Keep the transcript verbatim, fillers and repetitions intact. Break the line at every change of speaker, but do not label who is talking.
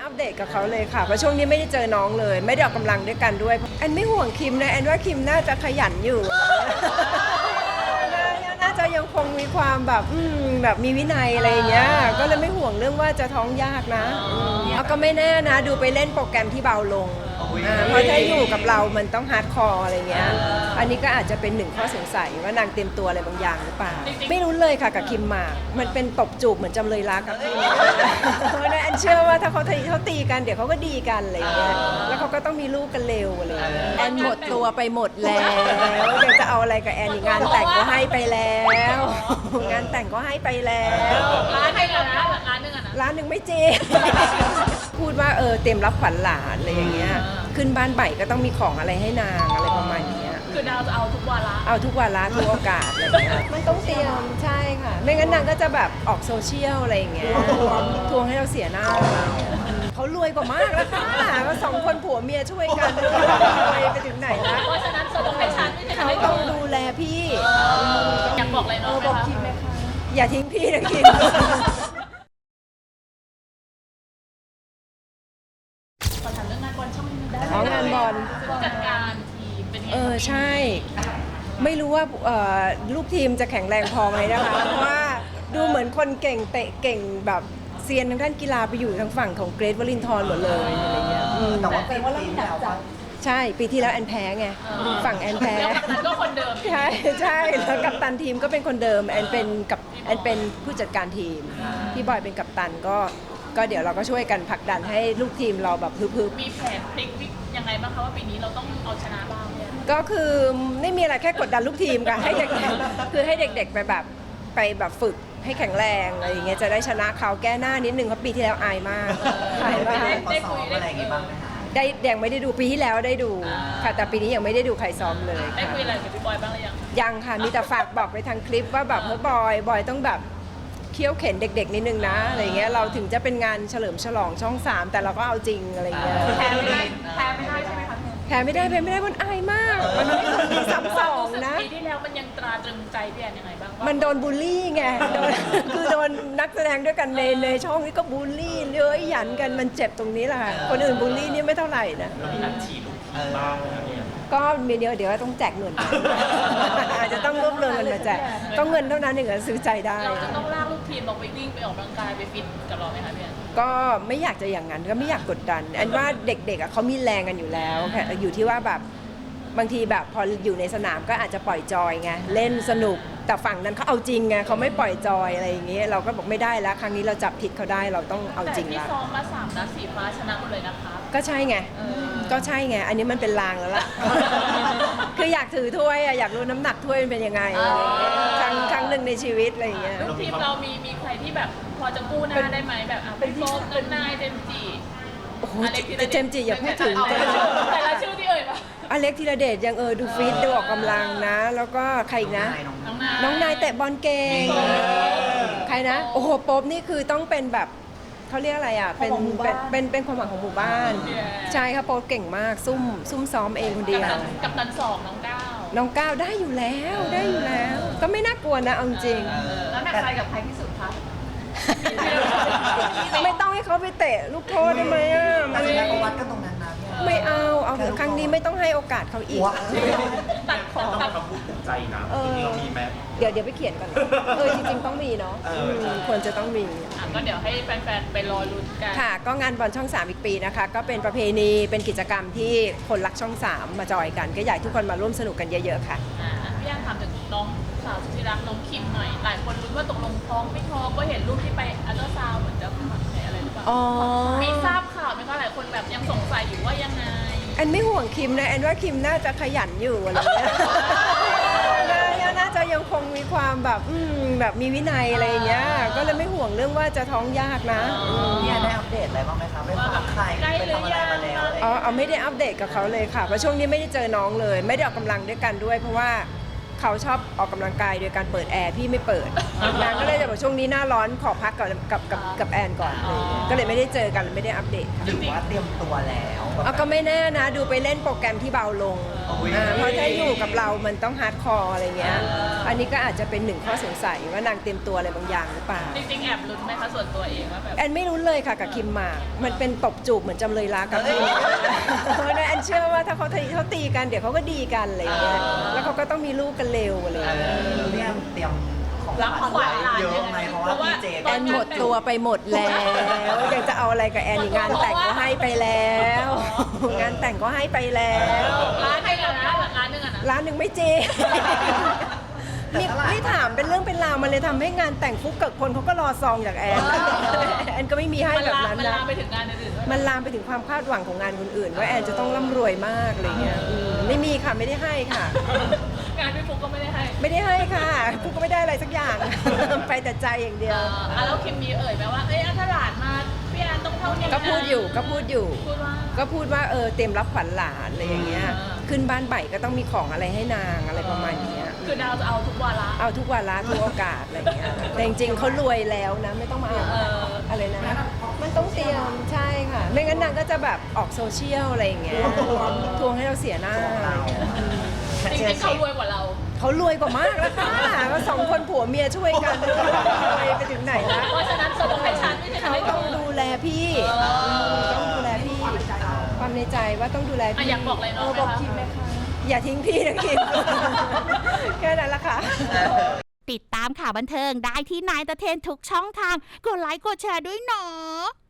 อัปเดตกับเขาเลยค่ะเพราะช่วงนี้ไม่ได้เจอน้องเลยไม่ได้ออกกำลังด้วยกันด้วยแอนไม่ห่วงคิมนะแอนว่าคิมน่าจะขยันอยู่ น่าจะยังคงมีความแบบอืมแบบมีวินัยอะไรอย่างเงี้ยก็เลยไม่ห่วงเรื่องว่าจะท้องยากนะแล้วก็ไม่แน่นะดูไปเล่นโปรแกรมที่เบาลงอ่าเพราะถ้าอยู่กับเรามันต้องฮาร์ดคอร์อะไรเงี้ยอันนี้ก็อาจจะเป็นหนึ่งข้อสงสัยว่านางเตรียมตัวอะไรบางอย่างหรือเปล่าไม่รู้เลยค่ะกับคิมหมากมันเป็นตบจูบเหมือนจำเลยรักกับพี่เพราะนั้นแอนเชื่อว่าถ้าเขาตีเขาตีกันเดี๋ยวเขาก็ดีกันอะไรเงี้ยแล้วเขาก็ต้องมีลูกกันเร็วอะไรเงี้ยแอนหมดตัวไปหมดแล้วเดี๋ยวจะเอาอะไรกับแอนอีกงานแต่งก็ให้ไปแล้วงานแต่งก็ให้ไปแล้ว
ร้านให้เรานะร้านหนึ่งอะนะ
ร้านหนึ่งไม่จริง พูดว่าเออเต็มรับขวัญหลานอะไรอย่างเงี้ยขึ้นบ้านใหม่ก็ต้องมีของอะไรให้นางอะไรประมาณเนี้ย
คือดาวจะเอาทุกวาระ
เอาทุกวาระทุกโอกาสอะไรอย่างเงี้ยมันต้องเตรียมใช่ค่ะไม่งั้นนางก็จะแบบออกโซเชียลอะไรอย่างเงี้ยทวงให้เราเสียหน้าเขารวยกว่ามากแล้วค่ะว่าสองคนผัวเมียช่วยกันรวยไปถึงไหนแล้ว
เพราะฉะนั้นเธอต้องให้ฉันไม่ใช่
เขา
ให้เธ
ต้อง
อ
ดูแลพี่
อยากบอกอะไรน้องไหมคะ
อย่าทิ้งพี่นะคิม
ขอถามเรื่องงานบอลช่องนึงได้
อ๋องานบอล
ผู้จัดการทีมเป็นไง
เออใช่ ไม่รู้ว่าเอ่อลูกทีมจะแข็งแรงพอไหมนะคะ เพราะว่าดูเหมือนคนเก่งเตะเก่งแบบเซียนทางด้านกีฬาไปอยู่ทางฝั่งของเกรทวลินทร์หมดเลยอะไรเงี้ยอืม
แต่ว่าเป็นว่าเราหนักใจ
ใช่ปีที่แล้วแอนแพ้ไงฝั่งแอนแพ้
แล้วก็คนเดิม
ใช่ใช่แล้วกัปตันทีมก็เป็นคนเดิมแอนเป็นกับแอนเป็นผู้จัดการทีมพี่บอยเป็นกัปตันก็ก็เดี๋ยวเราก็ช่วยกันผลักดันให้ลูกทีมเราแบบฮึบๆ
มีแผนพลิกวิกยังไงบ้างคะว่าปีนี้เราต้องเอาชนะบ้างเนี่ย
ก็คือไม่มีอะไรแค่กดดันลูกทีมค่ะให้เด็กๆคือให้เด็กๆไปแบบไปแบบฝึกให้แข็งแรงอะไรอย่างเงี้ยจะได้ชนะเขาแก้หน้านิดนึงเพราะปีที่แล้วอายมากอายมาก
ได้ซ้อมอะไรอย่างงี้บ้างไหมคะ
ได้ยังไม่ได้ดูปีที่แล้วได้ดูค่ะแต่ปีนี้ยังไม่ได้ดูใครซ้อมเลย
ได้
ค่ะ
คุยอะไรกับพี่บอยบ้างหรือยัง
ยังค่ะมีแต่ฝากบอกไปทางคลิปว่าแบบเฮ้ยบอยบอยต้องแบบเคี่ยวเข็นเด็กๆนิดนึงนะอะไรเงี้ยเราถึงจะเป็นงานเฉลิมฉลองช่องสามแต่เราก็เอาจริงอะไรเงี้ย
แพ้ไม่ได้แพ้ไม่ได้ใช่ไหมคะพี่
แพ้ไม่ได้แพ้ไม่ได้มันอายมากมันไม่ควรมีซ้ำสองนะ
ปีที่แล้วมันยังตราตรึงใจพี่แอนยังไงบ้างว่า
มันโดนบูลลี่ไงโดนคือโดนนักแสดงด้วยกันในในช่องนี้ก็บูลลี่เย้ยหยันกันมันเจ็บตรงนี้แหละค่ะคนอื่นบูลลี่นี่ไม่เท่าไหร่นะ
มีนัดฉีดลูกทีมบ้างไหมเนี่ย
ก็มีเดียวเดี๋ยวต้องแจกเงิน อาจจะต้องรวบรวมเงินมาแจกต้องเงินเท่านั้นถึงจะซื้อใจได้
เราจะต้องลากลูกทีมออกไปวิ่งไปออกกำลังกายไปฟิตกับเราไหมคะพี่แอน
ก็ไม่อยากจะอย่างนั้นก็ไม่อยากกดดันอันว่าเด็กๆอ่ะเขามีแรงกันอยู่แล้วแค่อยู่ที่ว่าแบบบางทีแบบพออยู่ในสนามก็อาจจะปล่อยจอยไงเล่นสนุกแต่ฝั่งนั้นเขาเอาจริงไงเขาไม่ปล่อยจอยอะไรอย่างเงี้ยเราก็บอกไม่ได้แล้วครั้งนี้เราจับผิดเขาได้เราต้องเอาจริง
แต่ที่
ละ
ซ้อมมาสามนัดสีฟ้าชนะหมดเลยนะคะ
ก็ใช่ไงก็ใช่ไงอันนี้มันเป็นลางแล้วล่ะ คืออยากถือถ้วยอะอยากรู้น้ำหนักถ้วยมันเป็นยังไงอะไรอย่างเงี้ยครั้งครั้งหนึ่งในชีวิตอะไรอย่างเงี้ย
ลูกทีมเรามีมีใครที่แบบพอจะกู้หน้าได้ไหมแบบอ่ะเป็นโฟมเอิร์นนายเจมส์จี
โอ้โหเจมส์จิอย่าพูดถึง
แต่ละชื่อที่เอ่ยมา
อเล็กธีรเดชยังเออดูฟิตดูออกกำลังนะ แล้วก็ใครอีกนะ
น้องนาย
น้องนายเตะบอลเก่งใครนะ โอ้โหโป๊บนี่คือต้องเป็นแบบเขาเรียกอะไรอ่ะเป็นเป็นเป็นเป็นความหวังของหมู่บ้าน ใช่ค่ะโป๊บเก่งมากซุ่มซุ่มซ้อมเองคนเดียว
กับตันสองน้องก้าว
น้องก้าวได้อยู่แล้วได้อยู่แล้ว ก็ไม่น่ากลัวนะเอาจริง
แล้วหนักใจกับใครที่สุดคะ
ไม่ต้องให้เขาไปเตะลูกโทษได้ไหมอ่ะ
แต่
มัน
สุดท้ายก็วัดกันตรงนั้นนะพี่
ไม่เอาเอาเถอะครั้งนี้ไม่ต้องให้โอกาสเขาอีก
ว้า
ตัดของ
ต้อง
ตัด
คำพูดภูมิใจนะ
เออ
จริงๆเรามีไหม
เดี๋ยวเดี๋ยวไปเขียนก่อนเออจริงๆต้องมีเนาะ
เอออื
มควรจะต้องมี
อ่ะก็เดี๋ยวให้แฟนๆไปรอลุ้นกัน
ค่ะก็งานบอลช่องสามอีกปีนะคะก็เป็นประเพณีเป็นกิจกรรมที่คนรักช่องสามมาจอยกัน ก็อยากให้ทุกคนมาร่วมสนุกกันเยอะๆค่ะ
อ่าพี่ย่างถามถึงน้องสาวสุดที่รักน้องคิมหน่อย หลายคนรู้นว่าตกลงท้องไม่ท้องก็เห็นรูปที่ไปอัลตราซาวด์เหมือนจะอะไรหรือเปล่า
อ๋อ
มีทราบข่าวไหมคะหลายคนแบบยังสงสัยอยู่ว่ายังไง
แอนไม่ห่วงคิมนะแอนว่าคิมน่าจะขยันอยู่อะไรเงี้ย น่าน่าจะยังคงมีความแบบอืมแบบมีวินัยอะไรอย่างเงี้ยก็เลยไม่ห่วงเรื่องว่าจะท้องยากนะอืม
เนี่ยได้อัปเดตอะไรบ้างไหมคะไม่ฝากใครไปทำอะไรมาแล้วอะไร
อ๋อเอาไม่ได้อัปเดตกับเขาเลยค่ะเพราะช่วงนี้ไม่ได้เจอน้องเลย ไม่ได้ออกกำลังด้วยกันด้วย เพราะว่าเขาชอบออกกำลังกายโดยการเปิดแอร์พี่ไม่เปิดนางก็เลยจะบอกช่วงนี้หน้าร้อนขอพักก่อนกับกับกับแอนก่อนเลยก็เลยไม่ได้เจอกันไม่ได้อัปเดต
หรือว่าเตรียมตัวแล้ว
เอาก็ไม่แน่นะดูไปเล่นโปรแกรมที่เบาลงอ่าเพราะถ้าอยู่กับเรามันต้องฮาร์ดคอร์อะไรเงี้ยอันนี้ก็อาจจะเป็นหนึ่งข้อสงสัยว่านางเตรียมตัวอะไรบางอย่างหรือเปล่า
จริงๆแอบลุ้นไหมคะส่วนตัวเองว่าแบบ
แอนไม่รู้เลยค่ะกับคิมหมากมันเป็นตบจูบเหมือนจำเลยรักกับพี่เพราะฉะนั้นแอนเชื่อว่าถ้าเขาตีเขาตีกันเดี๋ยวเขาก็ดีกันอะไรเงี้ยแล้วเขาก็ต้องมีลูกกันเร็วอะไรเงี้ย
เนี่ยเตรียมของ
รับของขวัญหลาน
เยอะไหมเพราะว่าพี่เจ
แอนหมดตัวไปหมดแล้วยังจะเอาอะไรกับแอนอีกงานแต่งก็ให้ไปแล้ว งานแต่งก็ให้ไปแล้ว
ร้านหนึ่งอะนะร้านหนึ่งอะนะ
ร้านหนึ่งไม่เจนี่นี่ถามเป็นเรื่องเป็นราวมันเลยทำให้งานแต่งฟุกเกิดคนเขาก็รอซองจากแอนแอนก็ไม่มีให้
มัน
แบบ
ลาม
นั้น
มัน
นะ
ลามไปถึงงานอื่นๆด้วย
มันลามไปถึงความคาดหวังของงานคนอื่นว่าแอนจะต้องร่ำรวยมากอะไรเงี้ยอืมไม่มีค่ะไม่ได้ให้ค่ะ
งานพี่ฟุกก็ไม่ได้ให้
ไม่ได้ให้ค่ะฟุกก็ไม่ได้อะไรสักอย่าง ไปแต่ใจอย่างเดี
เอ
ยว
ออ่ะแล้วคิมมีเอ่ยไหมว่าเอ้ยถ้าหลานมาพี่แอนต้องเท่านี้นะ
ก็พูดอยู่ก็พูดอยู่
พูดว่า
ก็พูดว่าเออเตรียมรับขวัญหลานอะไรอย่างเงี้ย
อ่า
ขึ้นบ้านใหม่ก็ต้องมีของอะไรให้นางอะไรประมาณเนี้ย
คือดาวจะเอาทุกวาระ
เอาทุกวาระทุกโอกาสอะไรอย่างเงี้ยแต่จริงๆเขารวยแล้วนะไม่ต้องมาเอา
เออ
อะไรนะมันต้องเตรียมใช่ค่ะ ไม่งั้นนางก็จะแบบออกโซเชียลอะไรอย่างเงี้ยทวงให้เราเสียหน้าอะไรอย่างเงี้ย
จริงๆเขารวยกว่าเรา
เขารวยกว่ามากแล้วค่ะว่าสองคนผัวเมียช่วยกันรวยไปถึงไหนละ
เพราะฉะนั้นเธอต้องให้ฉันไม่ใช่
เขา
ให้
ต้อง
เธอ
ดูแลพี่ต้องดูแลพี่ความในใจว่าต้องดูแล
อ่ะ
พี่
อยากบอกอะไรน้องไหมคะ
อย่าทิ้งพี่นะคิม แค่นั้นละค่ะ
ติดตามข่าวบันเทิงได้ที่นายตะเทนทุกช่องทาง กดไลค์กดแชร์ด้วยเนาะ